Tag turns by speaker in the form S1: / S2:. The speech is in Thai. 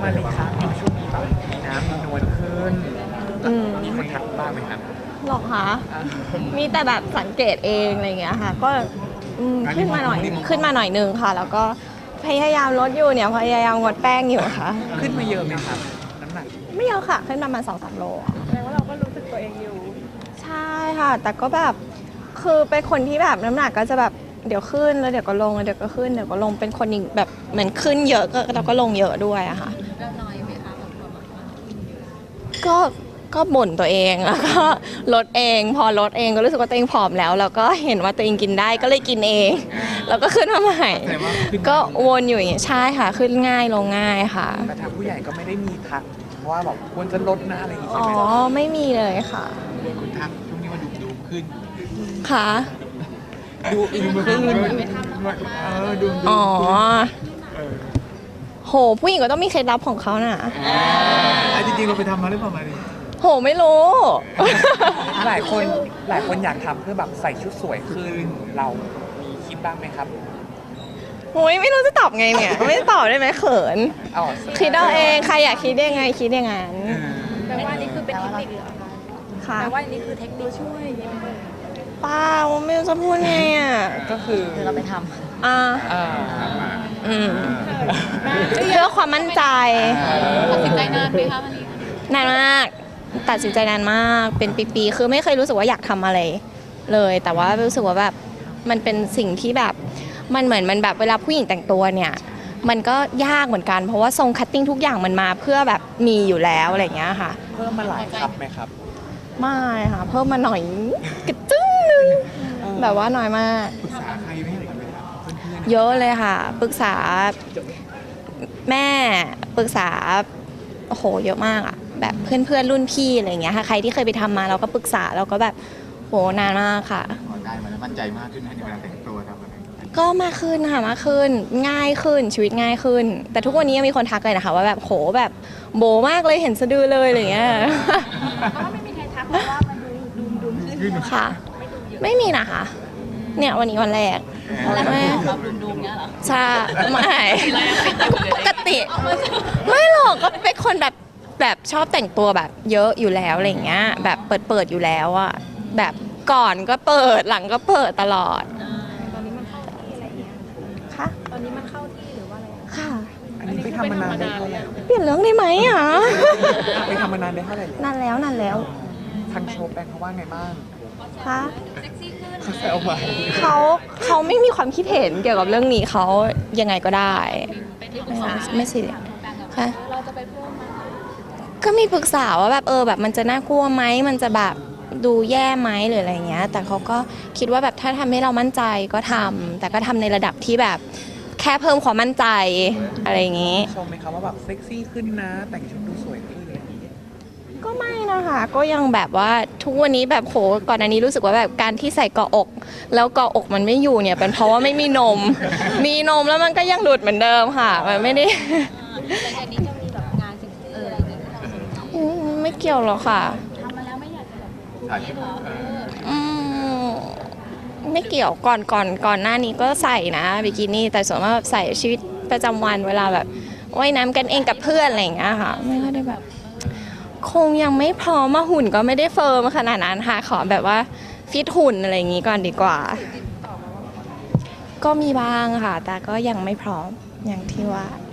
S1: มาลีครับช่วงนี้แบบมีน้ำมีนวลขึ้นมีคนทักบ้างไหมครับ
S2: หรอคะมีแต่แบบสังเกตเองอะไรอย่างเงี้ยค่ะก็ขึ้นมาหน่อยนึงค่ะแล้วก็พยายามลดอยู่เนี่ยพยายามงดแป้งอยู่ค่ะ
S1: ขึ้นมาเยอะไหมครับน้ำหนัก
S2: ไม่เยอะค่ะขึ้นประมาณ 2-3 โล
S3: แสดงว่าเราก็รู้สึกตัวเองอยู่
S2: ใช่ค่ะแต่ก็แบบคือเป็นคนที่แบบน้ำหนักก็จะแบบเดี๋ยวขึ้นแล้วเดี๋ยวก็ลงแล้วเดี๋ยวก็ขึ้นเดี๋ยวก็ลงเป็นคนแบบเหมือนขึ้นเยอะก็แล้วก็ลงเยอะด้วยอะค่ะ
S3: แล้วน้อยไหมคะ
S2: ก็บ่นตัวเองแล้วก็ลดเองพอลดเองก็รู้สึกว่าตัวเองผอมแล้วก็เห็นว่าตัวเองกินได้ก็เลยกินเองแล้วก็ขึ้นมาใหม่ก็วนอยู่อย่างนี้ใช่ค่ะขึ้นง่ายลงง่ายค่ะ
S1: แต่ทางผู้ใหญ่ก็ไม่ได้มีทักว่าแบบควรจะลดนะอะไรอย่างงี้ใช่ไหม
S2: ไม่มีเลยค่ะ
S1: คุณทักช่วงนี้มาดูขึ้น
S2: ค่ะ
S1: ดูอีกขึ้นดู
S2: โหผู้หญิงก็ต้องมีเคล็ดลับของเขาน่ะ
S1: จริงๆเราไปทำมาหรือเปล่ามาดิ
S2: โหไม่รู้
S1: หลายคนอยากทำเพื่อแบบใส่ชุดสวยขึ้นเรามีคิดบ้างไหมครับ
S2: โอ้ยไม่รู้จะตอบไงเนี่ยไม่ตอบได้ไหมเขินคิดเอาเองใครอยากคิดยังไงคิดอย่างนั้น
S3: แปลว่านี่คือเป็นเทคนิคเหรอคะแปลว่านี่คือเทคนิคช่วยอย่างนี้ไหม
S2: ป้าไม่รู้จะพูดไงอ่ะ
S1: ก็คือ
S3: เราไปทำ
S2: เพื่อความมั่นใจ
S3: ตัดสินใจนานไหมคะวันนี้
S2: นานมากตัดสินใจนานมากเป็นปีๆคือไม่เคยรู้สึกว่าอยากทำอะไรเลยแต่ว่ารู้สึกว่าแบบมันเป็นสิ่งที่แบบมันเหมือนมันแบบเวลาผู้หญิงแต่งตัวเนี่ยมันก็ยากเหมือนกันเพราะว่าทรงคัตติ้งทุกอย่างมันมาเพื่อแบบมีอยู่แล้วอะไรอย่างเงี้ยค่ะ
S1: เพิ่มมาหลายครับไหมครับ
S2: ไม่ค่ะเพิ่มมาหน่อยกระจึ้งนึงแบบว่าน้อยมาก
S1: ปรึกษาใครไหมครับ
S2: เยอะเลยค่ะปรึกษาแม่ปรึกษาโอ้โหเยอะมากอะแบบเพื่อนรุ่นพี่อะไรอย่างเงี้ยค่ะใครที่เคยไปทำมาเราก็ปรึกษาเราก็แบบโหนานมากค่ะ
S1: ได้มาแล้วมั่นใจมากขึ้นในเวลาแต่งตัวครับ
S2: ก็มากขึ้นค่ะมากขึ้นง่ายขึ้นชีวิตง่ายขึ้นแต่ทุกวันนี้ยังมีคนทักเลยนะคะว่าแบบโหแบบโบมากเลยเห็นสะดือเลยอะไรอย่างเงี้ย
S3: ก็ไม่มีใครทักเพราะว่ามันดูขึ้น
S2: ค่ะไม่มีนะคะเนี่ยวันนี้วันแรก
S3: ไม่เราดูเนี้ยเหรอ
S2: ใช่ไม่ปกติไม่หรอกก็เป็นคนแบบชอบแต่งตัวแบบเยอะอยู่แล้วอะไรอย่างเงี้ยแบบเปิดอยู่แล้วอะแบบก่อนก็เปิดหลังก็เปิดตลอด
S3: ตอนนี้มันเข้าที่อะไรเงี้ย
S2: ค่ะ
S3: ตอนนี้มันเข้าที่หรือว่าอะไร
S2: ค่ะ
S1: อันนี้ไปทำมานานได้เท่าไหร่
S2: เปลี่ยนเรื่องได้ไหมอ่ะ
S1: ไปทำมานานได้เท่าไหร่
S2: นานแล้ว
S1: ทางโชว์แปลงเขาว่าไงบ้าง
S2: คะ
S1: เขาแซวมา
S2: เขาไม่มีความคิดเห็นเกี่ยวกับเรื่องนี้เขายังไงก็ได้ไม่สิค่ะ
S3: เราจะไปเพิ่มมั้ย
S2: ก็มีปรึกษาว่าแบบแบบมันจะน่ากลัวไหมมันจะแบบดูแย่ไหมหรืออะไรเงี้ยแต่เขาก็คิดว่าแบบถ้าทำให้เรามั่นใจก็ทำแต่ก็ทำในระดับที่แบบแค่เพิ่มความมั่นใจอะไรอย่างงี้
S1: ชมไหมคะว่าแบบเซ็กซี่ขึ้นนะแต่งชุดดูสวยขึ้นอะไรอย่างงี้
S2: ก็ไม่นะคะก็ยังแบบว่าทุกวันนี้แบบโหก่อนอันนี้รู้สึกว่าแบบการที่ใส่เกาะอกแล้วเกาะอกมันไม่อยู่เนี่ยเป็นเพราะว่าไม่มีนมมีนมแล้วมันก็ยังหลุดเหมือนเดิมค่ะมันไม่ได้
S3: อันนี้จะมีแบบงานเซ็กซี่อะไรอย่างเงี้ย
S2: ไม่เกี่ยวหรอกค่ะ
S3: ทำมาแล้วไม่อยากจะแบบ
S2: ไม่เกี่ยวก่อนหน้านี้ก็ใส่นะบิกินี่แต่ส่วนมากใส่ชีวิตประจำวันเวลาแบบว่ายน้ำกันเองกับเพื่อนอะไรอย่างเงี้ยค่ะไม่ค่อยได้แบบคงยังไม่พร้อมมาหุ่นก็ไม่ได้เฟิร์มขนาดนั้นค่ะขอแบบว่าฟิตหุ่นอะไรอย่างงี้ก่อนดีกว่าก็มีบ้างค่ะแต่ก็ยังไม่พร้อมอย่างที่ว่า